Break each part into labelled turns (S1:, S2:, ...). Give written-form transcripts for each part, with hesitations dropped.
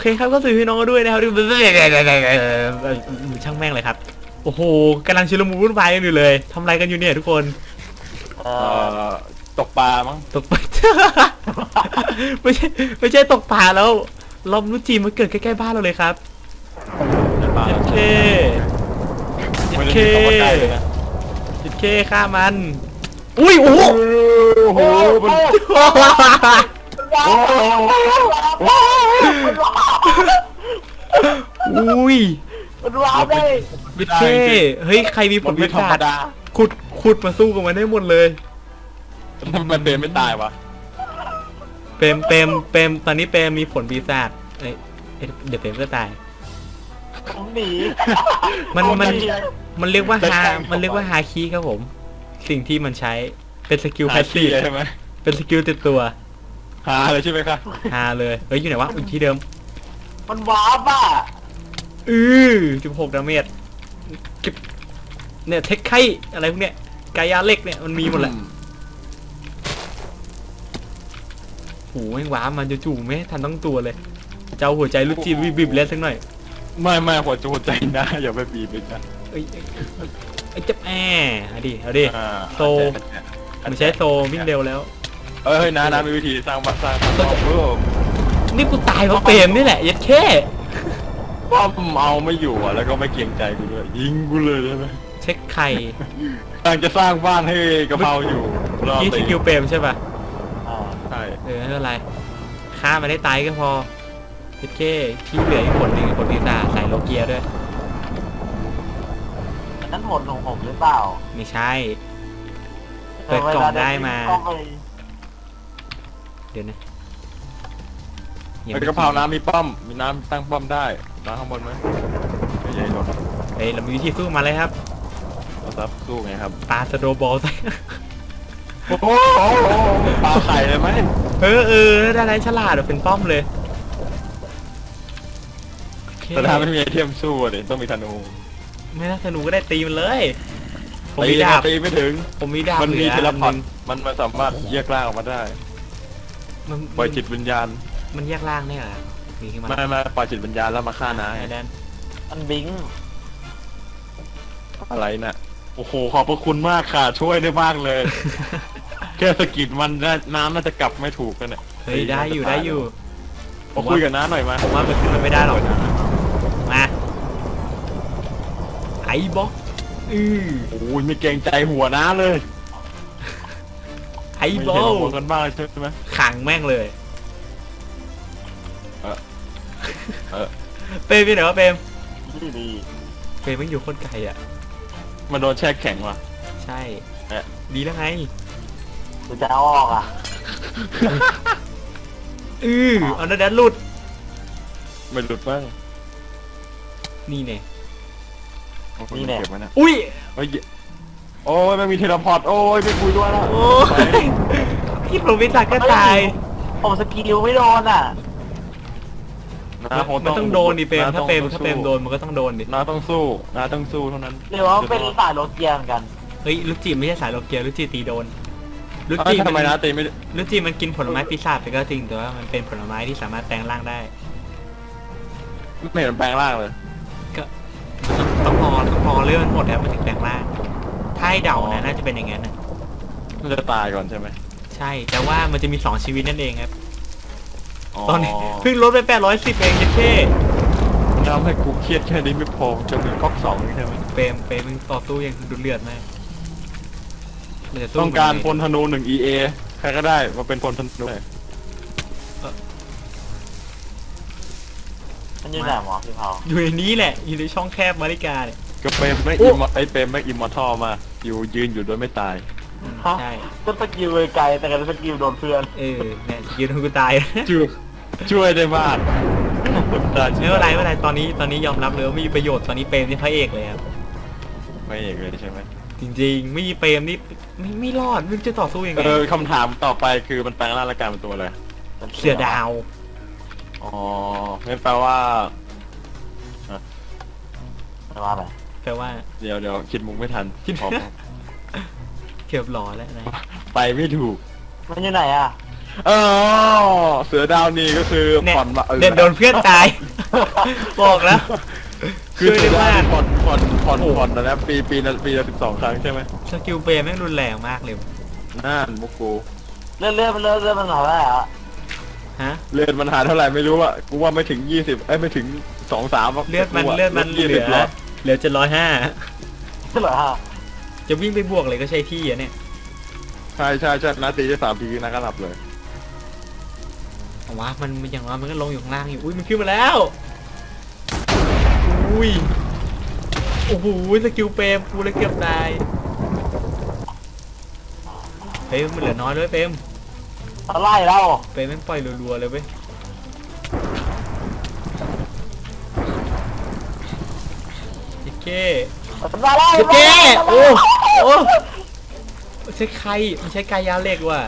S1: เคครับก็สวัสดีพี่น้องด้วยนะครับช่างแม่งเลยครับโอ้โหกำลังชุลมุนวุ่นวายกันอยู่เลยทำอะไรกันอยู่เนี่ยทุกคน
S2: เอ่อตกปลามั้ง
S1: ตกปลา ไม่ใช่ตกปลาแล้วลมนุจีมันเกิดใกล้ๆบ้านเราเลยครับ
S2: ปลา
S1: เจ็ดเค
S2: ไม่ได้มีคำว่าใกล้เลยนะ
S1: เจ็ดเคฆ่ามันอุ้ยโอ้โห
S2: โอ้โหมันโอ้โห
S1: อุ้ย
S3: มันว้าวได้
S1: เจ็ดเคเฮ้ยใครมีผ
S2: มั
S1: ล
S2: น
S1: วิ
S2: ไม่ธร
S1: จาร
S2: ม
S1: ณ์
S2: ดา
S1: ขุดมาสู้กับมันได้หมดเลย
S2: มันเดินไม่ตายวะ
S1: เปรมตอนนี้เปรมมีผลปีศาจเอ้ยเดี๋ยวเปรมก็ตาย
S3: ผมหนี
S1: มันเรียกว่าฮาคิครับผม สิ่งที่มันใช้เป็นสกิลแพสซีฟ
S2: ใช่ไหม
S1: เป็นสกิลติดตัว
S2: หาเลยใช่ไหมครับ
S1: ฮาเลยเฮ้ยอยู่ไหนวะอยู่ที่เดิม
S3: มันว้าวป่ะ
S1: 16 ดาเมจเก็บเนี่ยเทคไคอะไรพวกเนี้ยกายาเล็กเนี่ยมันมีหมดแหละโหแม่งว้ามันจู่ๆไม่ทันตั้งตัวเลยเจ้าหัวใจลูกจีบีบเล่นสักหน่อย
S2: ไม่หัวใจนะอย่าไปบีบเลยนะ
S1: เอ้ยเจ็บเอาดิ
S2: อ่า
S1: โซ มันใช้โซวิ่งเร็วแล้ว
S2: เอ้ยนะมีวิธีสร้างบ้านสร้างเพิ่ม
S1: นี่กูตายเพราะเปรมนี่แหละยัดแค่
S2: ป้อมเอาไม่อยู่อ่ะแล้วก็ไม่เกรงใจกูด้วยยิงกูเลยใช่ไหม
S1: เช็คไข่
S2: กำลังจะสร้างบ้านให้กะเพราอยู่รอ
S1: ที่ส
S2: ตี
S1: กิลเปรมใช่ป่ะ
S3: อ่า
S2: ใช่
S1: ไม่เป็นไรฆ่ามันได้ตายก็พอยัดแค่ที่เหลืออีกคนหนึ่งคนปีศาจใส่โลเกียด้วย
S3: อันนั้นผลของผมหรือเปล่า
S1: ไม่ใช่ เปิดกล่องได้มา
S3: ก็ไป
S1: เดี๋ยวนะ
S2: ไอ้กะเพราน้ำมีป้อมมีน้ำตั้งป้อมได้น้ำข้างบนไหมไม่ใหญ่หรอก
S1: เฮ้ยเรามีวิธีสู้มาเลยครับ
S2: เราซับสู้ไงครับ
S1: ปาสโดว์บอลใส่
S2: โอ้โหปลาไข่เลยไหม
S1: ได้ไรฉลาดเป็นป้อมเลยโอเค
S2: แต่ถ้าไม่มีไอเทมสู้อะดิต้องมีธนู
S1: ไม่น่าธนูก็ได้ตีมันเลยผม
S2: ตี
S1: มีดาบ
S2: ตีไม่ถึง
S1: ผมมีดาบ
S2: มันมี
S1: ห
S2: เท
S1: ลื
S2: เล
S1: อ
S2: พอร์ต
S1: น
S2: มันสามารถแยกร่างออกมาได้
S1: มัน
S2: ปล่อยจิตวิญญาณ
S1: มันแยกล่างได้เหรอมีขึ้นมา
S2: ไม่ปล่อยจิตวิญญาณแล้วมาฆ่าน้า
S1: ไอ้แดน
S3: มันบิง
S2: อะไรน่ะโอ้โหขอบพระคุณมากค่ะช่วยได้มากเลย แค่สะกิดมันน้ำน่าจะกลับไม่ถูกกันเนี่ย
S1: เฮ้ยได้อยู่
S2: มาคุยกับน้าหน่อยมา
S1: ผมว่ามันขึ้นมาไม่ได้หรอกมาไอ้บล็อก
S2: โอ้ยไม่เกรงใจหัวน้าเลย
S1: ไอ้
S2: ไม่
S1: บอ
S2: เห็น
S1: ล
S2: หัวกันบ้างใช่ไหม
S1: ขังแม่งเลย
S2: เออ
S1: เปรมไปไหนวะเปรม
S3: ดีดี
S1: เปรมมันอยู่โคนไกลอ่ะ
S2: มันโดนแช่แข็งว่ะ
S1: ใช่
S2: เอ๊ะ
S1: ดีแล้วไง
S3: หรือจะเอาออกอ่ะ
S1: เอาแดนหลุด
S2: ไม่หลุดบ้าง
S1: นี่เนี่ย
S2: โอ้โหเก็บไว้นะ
S1: อุ้ย
S2: เฮ้ยโอ้ยไม่มีเทเลพอร์ตโอ้ยไม่คุยด้วยแล้ว
S1: โอ้ยพี่ผมวิสักก็ตาย
S3: ผมสกิลไม่โดนอ่ะ
S2: น้าค
S1: มันต้องโดนดิเปรม
S2: น้
S1: ถ้าเปรม
S2: ต้อง
S1: ถ้าเปรมโดนมันก็ต้องโดนดิ
S2: น้าต้องสู้น้าต้องสู้เท่านั้น
S3: หรือว่าเป็นสายโรเกียเหมือนกัน
S1: เฮ้ยลูกจีไม่ใช่สายโลเกียลูกจีตีโดนลูก
S2: เอ้
S1: จี
S2: ยทำไมน้าตีไม่ได้
S1: ลูกจีมันกินผลไม้ปีศาจไปก็จริงแต่ว่ามันเป็นผลไม้ที่สามารถแปลงร่างได้
S2: ไม่เห็นมันแปลงร่างเลย
S1: ก็ต้องพอเรื่องมันหมดแล้วมันถึงแปลงร่างถ้าให้เดานะน่าจะเป็นอย่างนั้นนะ
S2: มันจะตายก่อนใช่ไหม
S1: ใช่แต่ว่ามันจะมี2ชีวิตนั่นเองครับตอนนี้เพิ่งลดไป810เองเจ๊
S2: ทำให้กูเครียดแค่นี้ไม่พอจะมีก๊อกสองนี่ใช่ไหม
S1: เปรมมึงต่อสู้ยังดุเดือดมากมันจะสู้
S2: ต้องการพ
S1: มัน
S2: ลธนู1 EA ใครก็ได้มาเป็นพลธนู
S3: มันอยู่ไหนหมอพี่เผา
S1: อยู่ในนี้แหละอยู่ในช่องแคบมาริกาเนี่ย
S2: ก็เปรมไม่
S1: โอ้
S2: เปรมไม่อิมมอร์ทัลมาอยู่ยืนอยู่โดยไม่ตาย
S1: ใช่
S3: ก็สกิลไกลแต่กันสกิลโดนเพื่อน
S1: เนี่ยยืนให้กูตาย
S2: ช่วยได้มาก
S1: ไม่เป็นไรตอนนี้ยอมรับเลยว่าไม่มีประโยชน์ตอนนี้เปรมนี่พระเอกเลยครับ
S2: ไม่เอกเลยใช่ไหม
S1: จริงๆไม่มีเปรมนี่ไม่รอดไม่รู้จะต่อสู้ยังไง
S2: คำถามต่อไปคือมันแปลงร่างและกลายเป็นตัวอะไร
S1: เสือดาว
S2: อ๋องั้นแปลว่า
S3: ไม่ว่าอะไร
S1: แปลว่า
S2: เดี๋ยวคิดมุกไม่ทัน
S1: คิด
S2: ขอ
S1: เกือบหล่อแล้วนะ
S2: ไปไม่ถูก
S3: มันอยู่ไหนอ่ะ
S2: อ๋อเสือดาวนี่ก็คือ
S1: เนี่ย
S2: ผ่อนมา
S1: เดินโดนเพื่อนตาย บอกแล้ว
S2: คือ
S1: ช่วย
S2: เสื
S1: ได้
S2: อดาว
S1: มาก
S2: นี่ผ่อนนะปีละ12 ครั้งใช่ไหม
S1: สกิลเปย์แม่งรุนแรงมากเลย
S2: นั่นมุกกู
S3: เลื่อนมันหาได้อะ
S1: ฮะ
S2: เลือดมันหาเท่าไหร่ไม่รู้อะกูว่าไม่ถึง20ไม่ถึง2-3
S1: เลือดมันเหลือ
S2: แล้ว
S1: เหลือ750
S3: เหรอฮะ
S1: จะวิ่งไปบวกเลยก็ใช้ที่อะเนี่ย
S2: ใช่นาตีได้3 ทีนะก็หลับเลย
S1: เอาวะมันอย่างว่ามันก็ลงอยู่ข้างล่างอยู่อุ้ยมันขึ้นมาแล้วอุ้ยโอ้โหสกิลเปมกูเลยเกือบตายเฮ้ยมันเหลือน้อยด้วยเปม
S3: อะไรเรา
S1: เปมแม่งปล่อยรัวๆเลยเว้ยเจ๊เก้
S3: มันมาแล้ว
S1: เจ๊เก้โอ้โอ้ใช้ใครมันใช้กายาเหล็กว่ะ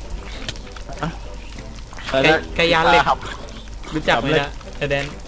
S1: ไก่ย่างเหล็ก
S2: ครับ
S1: รู้จักไหมนะไอแดน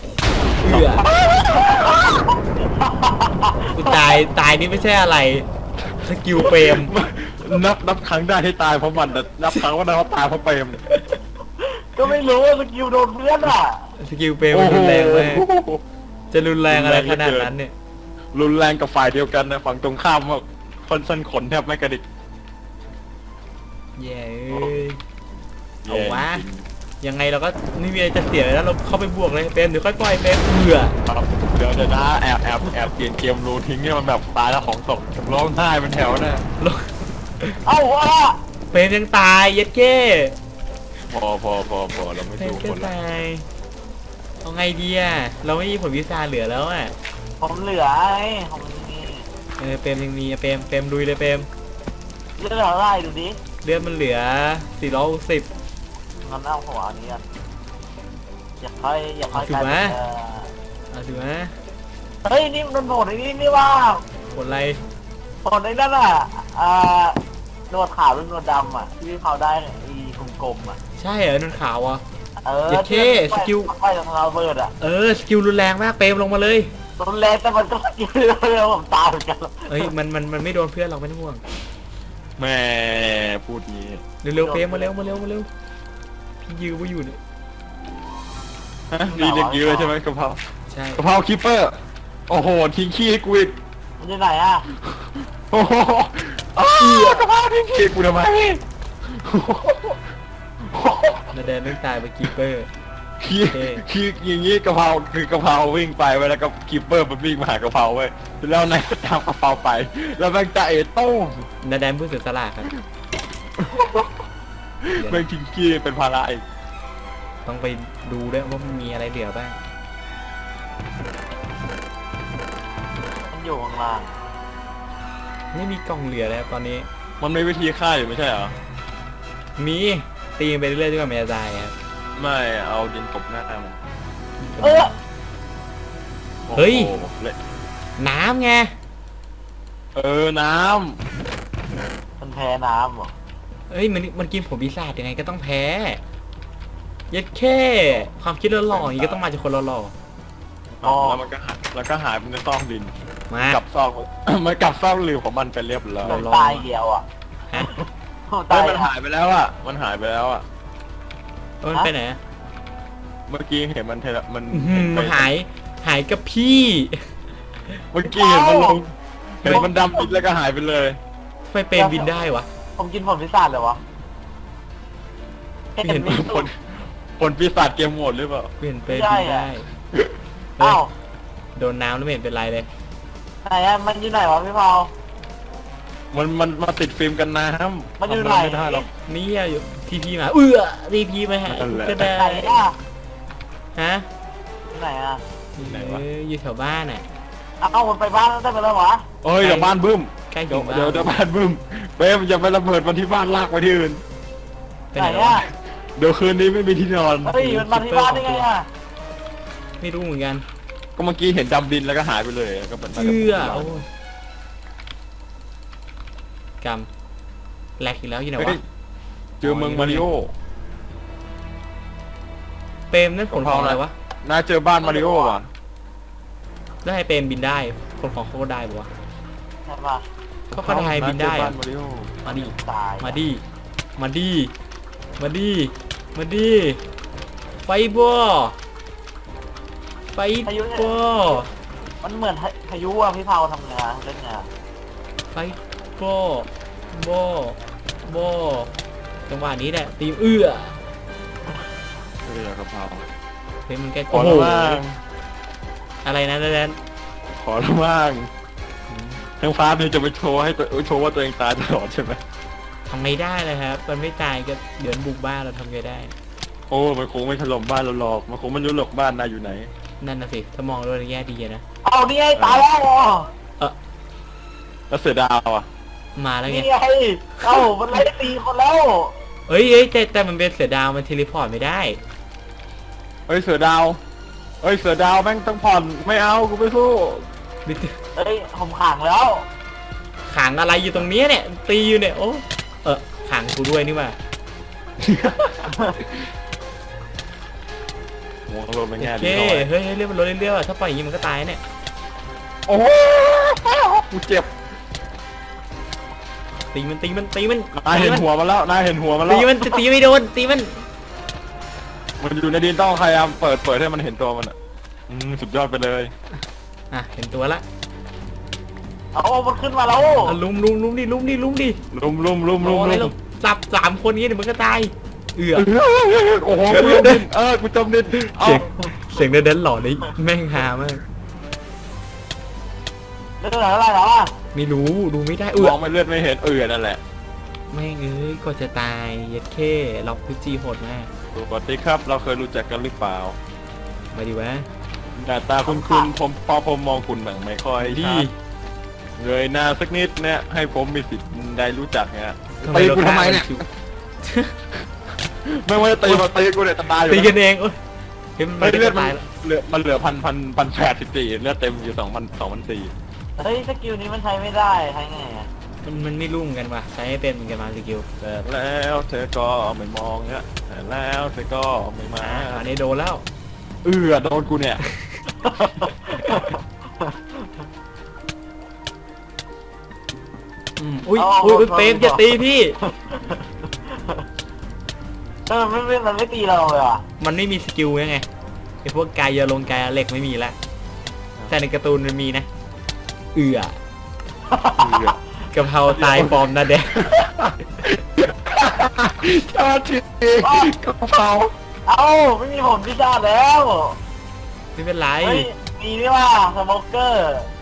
S1: กูตายนี่ไม่ใช่อะไรสกิลเปรม
S2: นับครั้งได้ที่ตายเพราะมันแต่นับครั้งว่าได้เขาตายเพราะเปรม
S3: ก็ไม่รู้ว่าสกิลโดนเพื่อนอ่ะ
S1: สกิลเปรมมันรุนแรงมากจะรุนแรงอะไรขนาดนั้นเนี่ย
S2: รุนแรงกับฝ่ายเดียวกันนะฝั่งตรงข้ามว่าคนสั้นขนแทบไม่กระดิก
S1: แย่เอ้ยเอาวะยังไงเราก็ไม่มีอะไรจะเสียแล้วเราเข้าไปบวกเลยเปรมเดี๋ยวค่อยปล่อยเปรมเบื่อ
S2: ครับเดี๋ยวนะแอบเปลี่ยนเกมรูทิ้งเนี่ยมันแบบตายแล้วของตกร้องไห้เป็นแถวนะ
S3: เอ้าวะ
S1: เปรมยังตายเย็ดเก้
S2: พอเราไม่
S1: เปรม
S2: สู้
S1: ก็
S2: คนละ
S1: ตายเอาไงดีอะเราไม่มีผลวิชาเหลือแล้วอะ
S3: ผมเหลือไอ้ผมมี
S1: เปรมยังมีอะเปรมลุยเลยเปรม
S3: เลือดอะไรดูดิ
S1: เลือดมันเหลือ460
S3: งั้นเอาหัวอันนี้กันอย่าค่อยกลายเป็น
S1: เอาถือไหม
S3: เฮ้ยนี่มันโหดไอ้นี่ว่า
S1: ผลอะไร
S3: โหดไอ้นั่นอ่ะหนวดขาวหรือหนวดดำอ่ะที่เขาได้อีกลมๆอ่ะ
S1: ใช่เหรอนันขาวอ่ะ
S3: เ
S1: เจ็ดเข้สกิล
S3: ไปจากเราเบิร์ดอ่ะ
S1: สกิลรุนแรงมากเปรมลงมาเลย
S3: รุนแรงแต่มันก็สกิลเร็วผมตายเหมือนกัน
S1: เอ้ยมันไม่โดนเพื่อนเราไม่ต้องห่วง
S2: แม่พูดงี้
S1: เร็วๆเปรมมาเร็วพี่ยื้อไว้อยู่เนี่ย
S2: ฮะรีเด็กยื้อใช่ไหมกะเพรา
S1: ใช่
S2: กะเพราคิปเปอร์โอ้โหทิ้งขี้ให้กูอีก
S3: มันอยู่ไหนอ่ะ
S2: โอ้โหกะเพราทิ้งขี้กูทำไม
S1: นาแดนไม่ตายไปกีเปอร์
S2: คืออย่างงี้กะเพราคือกะเพราวิ่งไปไว้แล้วก็คิปเปอร์มันวิ่งมาหากะเพราไว้แล้วนายก็ตามกะเพราไป แล้วแม่งจะโต้ง
S1: นาแดนผู้เสียสละครับ
S2: แม่งทิ้งขี้เป็นภาระอีก
S1: ต้องไปดูด้วยว่ามันมีอะไรเหลือบ้าง
S3: มันอยู่ข้างล่าง
S1: ไม่มีกล่องเหลือแล้วตอนนี้
S2: มันมีวิธีฆ่าอยู่ไม่ใช่เหรอ
S1: มีตีไปเรื่อยๆจนกว่ามันจะตายครับ
S2: ไม่เอาดินตบหน้ามัน
S3: เออ
S1: เฮ้ย
S2: โอ้โหละ
S1: น้ำไง
S2: น้
S3: มันแพ้น้ำเหรอ
S1: เอ้ยมันกินผลปีศาจยังไงก็ต้องแพ้เย็ดแค่ความคิดหล่อๆอย่างนี้ก็ต้องมาจากคนหล่อ
S2: ำแล้วมันก็หายไปในซอกดิน
S1: ๆมา
S2: กับซอก มันกลับซอกหลืมของมันไปเรียบร้อย
S3: มันตายเดียวอ่ะ
S1: ฮะ
S3: ตาย
S2: มันหายไปแล้วอ่ะมันหายไปแล้วอ่ะ
S1: มันไปไหนอะ
S2: เมื่อกี้เห็นมันมัน
S1: มันหายกับพี่
S2: เมื่อกี้เห็นมันลงเห็นมันดำดินแล้วก็หายไปเลย
S1: ไฟเปรมบินได้วะ
S3: ผมกินผลพิศาจเลยวะ
S1: เห็น
S3: มี
S2: ผลปีศาจเกมโหมดหรือเปล่า
S1: เปลี่ยนเปรมบินได้
S3: อ้าว
S1: โดนน้ำแล้วไม่เห็นเป็นไรเลย
S3: ไหนอ่ะมันอยู่ไหนวะพี่เผา
S2: มันมาติดฟิล์มกันน้ำ
S3: มันอยู่ไหน
S2: ทำไม่ได้หรอก
S1: นี่อยู่ทีพีมาทีพีมาหา
S2: นั่นแหละ
S1: ก็ได้
S3: ไหนอ่ะ
S1: ฮะ
S3: อยู่ไหนอ่ะ
S2: ไหนวะ
S1: อยู่แถวบ้านน่ะ
S3: เอ้ามันไปบ้านแล้วได้ไปแล้ววะ
S2: เอ้ยเดี๋ยวบ้านบึ้ม
S1: ใกล้ถึ
S2: เดี๋ยว
S1: งบ้าน
S2: เดี๋ยวบ้านบึ้มเป้มอย่าไประเบิดมันที่บ้านลากไปที่อื่น
S1: ไป
S3: ไหน
S1: ไหน
S3: อ่ะ
S1: วะ
S2: เดี๋ยวคืนนี้ไม่มีที่นอน
S3: เฮ้ยมันมาที่บ้านได้ไงอ่ะ
S1: ไม่รู้เหมือนกัน
S2: ก็เมื่อกี้เห็นดำดินแล้วก็หายไปเลยก็เป็น
S1: โอ้ยกำแหลกอีกแล้วอยู่ไหน
S2: เฮ้
S1: วะ
S2: ยเจอเมืองมาริโอ
S1: เปรมนั่นผลของอะไรวะ
S2: น่าเจอบ้านมาริโอว่ะ
S1: แล้วให้เปรมบินได้ผลของเขาก็ได้ปะวะ
S3: ใช่ปะ
S1: เขาก็ได้บินได้
S2: าเจอบ้า
S1: อะ
S2: นมาริโอ
S1: มาดิ
S3: ตาย
S1: มาดิมาดิมาดิไฟบอไฟบอ
S3: มันเหมือนพายุอ่ะพี่เผาทำไงเล่นไง
S1: ไฟบอบอจังหวะนี้แหละตีม
S2: เรือกะเพรา
S1: เฮ้ยมันแก
S2: ขอละบ้าง
S1: อะไรนะแดน
S2: ขอละบ้างทั้งฟ้าเนี่ยจะไปโชว์ให้ตัวโชว์ว่าตัวเองตายตลอดใช่ไหม
S1: ทำไงได้เลยครับมันไม่ตายก็เดือนบุกบ้านเราทำไงได้
S2: โอ้มันคงไม่ถล่มบ้านเราหรอกมันคงไม่รู้หรอกบ้านนายอยู่ไหน
S1: นั่นน่ะสิถ้ามองด้วยแง่ดีอะนะ
S3: เอานี่ไงตายแล้ว
S2: แล้วเสือดาวอ่ะ
S1: มาแล้วไง
S3: นี่ไงเอ้ามันไล่ตีคนแล้ว
S1: เอ้ยแต่มันเป็นเสือดาวมันเทเลพอร์ตไม่ได้
S2: เฮ้ยเสือดาวเฮ้ยเสือดาวแม่งต้องผ่อนไม่เอากูไม่สู้
S3: เฮ้ยผมขังแล้ว
S1: ขังอะไรอยู่ตรงเนี้ยเนี่ยตีอยู่เนี่ยโอ้ขังกูด้วยนี่ว่า
S2: มองลงไปแง่
S1: โอ
S2: ดี
S1: เค
S2: หน่อย
S1: เฮ้ยเรื่องมันลดเรื่อยๆอะถ้าปล่อยอย่างนี้มันก็ตายเนี่ย
S2: โอ้โหกูเจ็บ
S1: ตีมัน
S2: นายเห็นหัวมันแล้วนายเห็นหัวมันแล้ว
S1: ตีมันจะตีไม่โดนตีมัน
S2: มันอยู่ในดินต้องพยายามเปิดให้มันเห็นตัวมันอ่ะสุดยอดไปเลย
S1: อ่ะเห็นตัวละ
S3: เอามันขึ้นมาแล้ว
S1: อ่ะลุมดิ
S2: ลุม
S1: โอ้ยเราจับ3 คนนี้เดี๋ยวมันก็ตายเอือ
S2: โอ้โหกูจมดินกูจมดินเอา
S1: เสียงเดินหล่อนี่แม่งฮามาก
S3: เรื่องอะไรแล้วอ่ะ
S1: ไม่รู้ดูไม่ได้
S2: มองไม่เลือดไม่เห็นนั่นแหละ
S1: แม่งก็จะตายเย็ดเข้ล็อกพุจีโหดมาก
S2: สวัสดีครับเราเคยรู้จักกันหรือเปล่า
S1: มาดิวะ
S2: หน้าตาคุณผมพอผมมองคุณแบบไม่ค่อย
S1: ดี
S2: ชัดเงยหน้าสักนิดเนี่ยให้ผมมีสิทธิ์ได้รู้จักเนี่ย
S1: ตีกูทำไมเนี่ย
S2: ไม่ว่าจะตีมาตีกูเนี่ยจะตายอยู่
S1: ตีกันเองโอ้ยเฮ้ย
S2: ไม่
S1: มัน
S2: เลือด
S1: ตายแล้ว
S2: มันเหลือ1,084เลือดเต็มอยู่2,004
S3: เฮ้ยสกิลนี้มันใช้ไม่ได้ใช้ไงอ่ะ
S1: มันไม่รุ่งกันว่ะใช้ให้เป็นเหมือนกันมาสกิล
S2: แต่แล้วเธอก็ไม่มองเนี่ยแต่แล้วเธอก็ไม่มา
S1: อันนี้โดนแล้ว
S2: โดนกูเนี่ย
S1: อุ้ยเฟรมจะตีพี่
S3: มันไม่ตีเราเลยอ่ะ
S1: มันไม่มีสกิลไงไอพวกกายยาลงกายเหล็กไม่มีละแต่ในการ์ตูนมันมีนะกะเพราตายฟอร์มนะเด็ก
S2: ชาติกระเพรา
S3: เอ้าไม่มีผมพิชาแล้ว
S1: ไม่เป็นไร
S3: เฮ้ยมีนี่ว่าสโมเกอร์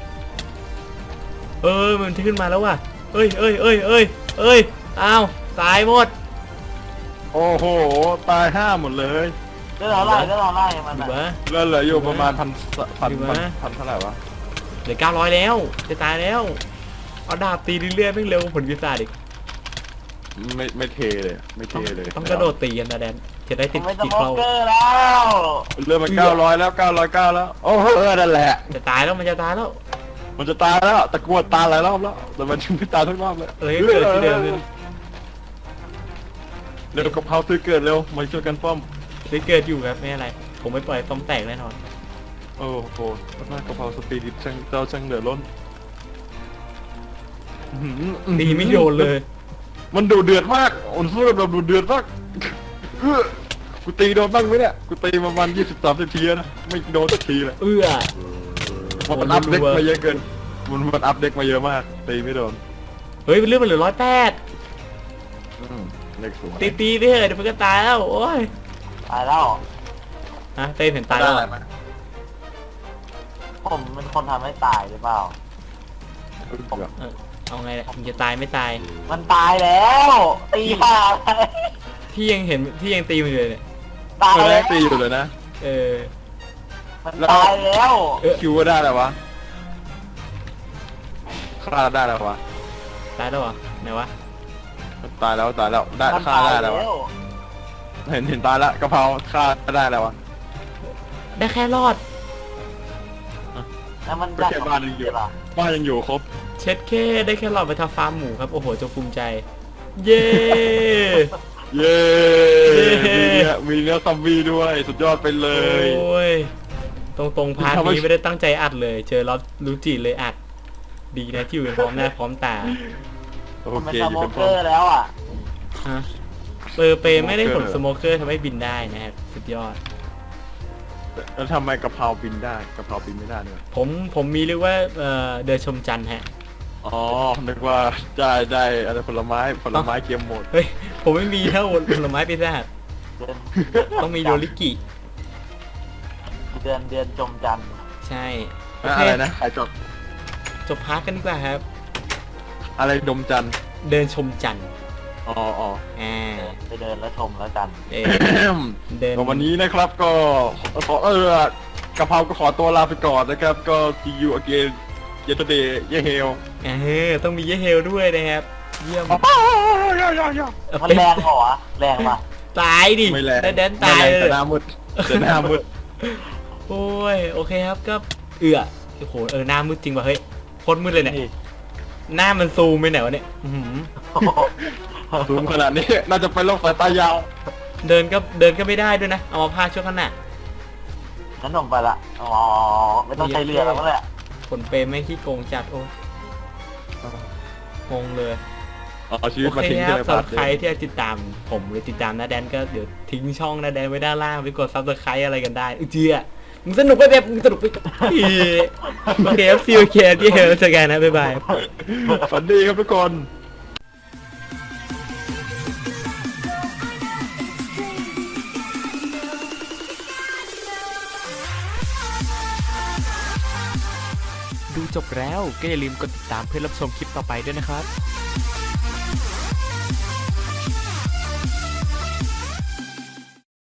S1: มันขึ้นมาแล้วว่ะเอ้ยอ้าวตายหมด
S2: โอ้โหตาย5หมดเลย
S3: เรื่องอะไรมัน
S1: ดู
S3: อ่ะ
S1: วะ
S2: เลือดเหลืออยู่ประมาณพัน
S1: อยู่วะ
S2: เท่าไหร่วะ
S1: เหลือ900แล้วจะตายแล้วเอาดาบตีเรื่อยๆไม่เร็วผลวิสัยอีก
S2: ไม่เทเลยเลย
S1: ต้องกระโดดตีกันนะแดนจะได้
S3: ผ
S1: ติด
S3: มเป็นส
S1: ติด
S3: โม
S1: เข้า
S3: เกอร์แล้ว
S2: เลือดมัน900แล้ว909แล้วโอ้โหนั่นแหละ
S1: จะตายแล้วมันจะตายแล้ว
S2: มันจะตายแล้วตะกรวดตายหลายรอบแล้วแต่มันยังไม่ตายทุกรอบเลย
S1: เกิดที่เดิมเลย
S2: เร็วกระเพราซื้อเกิดเร็วมาช่วยกันป้อม
S1: ได้เกิดอยู่ครับไม่อะไรผมไม่ปล่อยต้มแตกแน่นอน
S2: โอ้โหหน้ากระเพราสปีดช่างเหลือล้น
S1: ตีไม่โดนเลย
S2: มันดูเดือดมากอ่อนสู้แบบดูเดือดมากกูตีโดนบ้างไหมเนี่ยกูตีประมาณ20-30ทีแล้วนะไม่โดนสักทีเลยมันอัพเด็กมาเยอะเกินมันอัพเด็กมาเยอะมากตีไม่โดน
S1: เฮ้ยเรื่องมันเหลือ108
S2: เล็กสูง
S1: ตีไปเถอะเดี๋ยวมันก็ตายแล้วโอ้ย
S3: ตายแล้ว
S1: ฮะเต้นเห็นตายแล้ว
S3: ผมเป็นคนทำให้ตายหรือเปล่า
S1: เอาไงมึงจะตายไม่ตาย
S3: มันตายแล้วตีผ่า
S1: พี่ยังตีมันอยู่เลยเนี่ย
S3: ตาย
S2: แร
S3: แล้
S2: ก
S3: ว
S2: ตีอยู่เลยนะ
S3: มันตายแล้ว
S2: คิวว่าได้แล้ววะฆ่าได้แล้ววะ
S1: ตายแล้วเหรอไหนวะ
S2: ตายแล้วได้ฆ่าได้แล้ววะเห็นตายแล้วกะเพราฆ่าได้แล้ววะ
S1: ได้แค่รอด
S3: แล้วมัน
S2: ก็แค่บ้านยังอยู่ครบ
S1: เช็ดแค่ได้แค่รอดไปทำฟาร์มหมูครับโอ้โหจงภูมิใจ เย้
S2: เย้
S1: เย้
S2: มีเนื้อซอมบี้ด้วยสุดยอดไปเลย
S1: โอ้ยตรงพาร์ทนี้ไม่ได้ตั้งใจอัดเลย เจอรับรู้จีเลยอัดดีนะที่อยู่พร้อมหน้าพร้อมตา
S2: โอ
S3: ผมเป็น
S2: เค
S3: ส
S2: อยู่
S3: โม
S2: เป็น
S3: เก
S2: พร้อ
S3: อ
S2: ม
S3: ร์แล้วอ่ะ
S1: ฮะเปไม่ได้ผลสโมเกอร์ทำให้บินได้นะครับสุดยอด
S2: แล้วทำไมกะเพราบินได้กะเพราบินไม่ได้เนี่ย
S1: ผมมีเรียกว่าเดินชมจันทร์ฮะ
S2: อ๋อนึกว่าได้อะไรผลไม้เกมโหมด
S1: เฮ้ยผมไม่มีเท่าผลไม้ปีศาจ
S3: เดือน
S1: ต้องมีโดริกิ
S3: เดือนจมจันทร์
S1: ใช่โอเค
S2: อะไรนะใครจด
S1: จบพาร์ทกันดีกว่าครับ
S2: อะไรดมจันทร์
S1: เดินชมจันทร์
S2: อ๋อ
S1: อ่า
S3: ไปเดินแล้วชมแล้วกัน
S1: เออเดิน
S2: ก็วันนี้นะครับก็ขอกะเพราก็ขอตัวลาไปก่อนนะครับ ก็ see you again yesterday เย่เฮล
S1: ต้องมีเยเฮลด้วยนะครับ เยี่ยม
S3: มันแรงเหรอวะแรงปะ
S1: ตายดิ
S2: ไม่แรง
S1: แดนตายเล
S2: แต่
S1: ย
S2: หน้ามืดแต่หน้ามืด
S1: โอ้ยโอเคครับก็โอ้โหหน้ามืดจริงว่ะเฮ้ยโคตรมืดเลยเนี่ย
S3: นี่
S1: หน้ามันซูมไปไหนวะเนี่ยอื้อหือ
S2: ซูมขนาดนี้น่าจะเป็นโรคสายตายาว
S1: เดินก็ไม่ได้ด้วยนะ เอามาพาดช่วงขณะ
S3: งั้นหนุ่มไปละอ๋อไม่ต้องใช้เรือแล้วมั้งแหละ
S1: ผลเปรย์ไม่งขี้โกงจัดโอ้ยงงเลย
S2: เอาชีวิ
S1: โอ
S2: ตมา
S1: เค
S2: ทิ้ง
S1: ค
S2: ที่
S1: รับ
S2: ใน
S1: สำห
S2: พา
S1: รั
S2: ร์
S1: บ
S2: ท
S1: ใครที่จะติดตามผมหรือติดตามนาแดนก็เดี๋ยวทิ้งช่องนาแดนไว้ด้านล่างไปกดซับสไครต์อะไรกันได้เจียมึงสนุกไปแบบมึงสนุกไปโอเคครับซีโอเคที่เฮลเจอกันนะบ๊ายบาย
S2: ฝันดีครับทุกคน
S1: ดูจบแล้วก็อย่าลืมกดติดตามเพื่อรับชมคลิปต่อไปด้วยนะครับ